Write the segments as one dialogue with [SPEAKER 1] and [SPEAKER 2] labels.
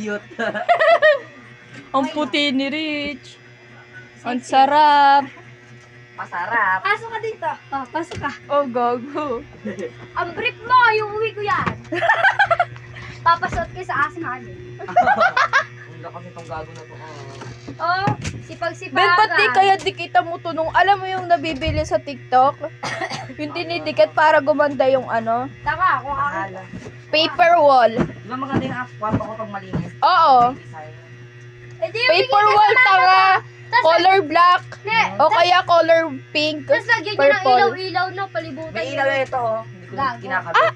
[SPEAKER 1] Cute.
[SPEAKER 2] Ang puti ni Rich. Ang sarap.
[SPEAKER 1] Masarap.
[SPEAKER 3] Pasok ka dito. Oh, pasok ka.
[SPEAKER 2] Oh, gago.
[SPEAKER 3] Ang brief mo, yung uwi ko yan. Papasot ka sa asin namin.
[SPEAKER 1] Ang lakas itong gago na to.
[SPEAKER 3] Oh, sipag-sipagan.
[SPEAKER 2] Ben, ba't di kaya dikita mo to nung, alam mo yung nabibili sa TikTok? Yung dinidikit para gumanda yung ano?
[SPEAKER 3] Taka, kung ako.
[SPEAKER 1] Bahala.
[SPEAKER 2] Paper wall.
[SPEAKER 1] Di ba maganda yung kwarto ko pag malinis?
[SPEAKER 2] Oo.
[SPEAKER 1] Design.
[SPEAKER 3] Eh, di yung
[SPEAKER 2] Paper wall, tanga. Color black.
[SPEAKER 3] Ne,
[SPEAKER 2] O kaya color pink.
[SPEAKER 3] tapos lagyan niya ng
[SPEAKER 2] Purple.
[SPEAKER 3] ilaw-ilaw na palibutan.
[SPEAKER 1] May ilaw na ito oh. Hindi ko
[SPEAKER 3] Gago.
[SPEAKER 1] kinakabit.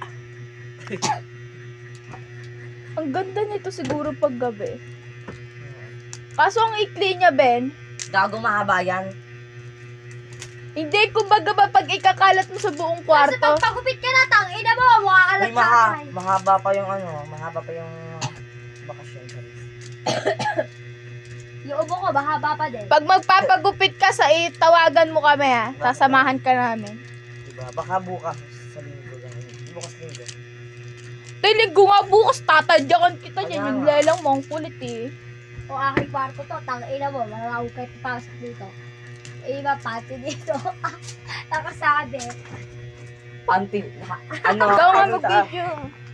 [SPEAKER 2] Ang ganda nito siguro pag gabi. Kaso ang ikli niya, Ben.
[SPEAKER 1] Gago mahaba yan.
[SPEAKER 2] Hindi, kumbaga ba pag ikakalat mo sa buong
[SPEAKER 3] Kasi
[SPEAKER 2] kwarto?
[SPEAKER 3] pag pagupit ka na, tang ina mo, mukha ka
[SPEAKER 1] May
[SPEAKER 3] lang tatay.
[SPEAKER 1] mahaba pa yung ano, mahaba pa yung bakasyon. Sorry.
[SPEAKER 3] Yung ubo ko, mahaba pa din.
[SPEAKER 2] Pag magpapagupit ka sa tawagan mo kami ha. Sasamahan ka namin.
[SPEAKER 1] Diba? Baka bukas sa linggo lang. Bukas linggo.
[SPEAKER 2] Linggo nga bukas, tatadyakan kita
[SPEAKER 1] Kaya
[SPEAKER 2] dyan. Yung
[SPEAKER 1] nga.
[SPEAKER 2] lelang mo, ang kulit eh.
[SPEAKER 3] O aking kwarto to, tang ina mo, malawag kayo papasok dito. Eh, iba pati dito. Nakasabi.
[SPEAKER 1] Ano?
[SPEAKER 2] Ikaw nga
[SPEAKER 1] ano ta-
[SPEAKER 2] mag-video.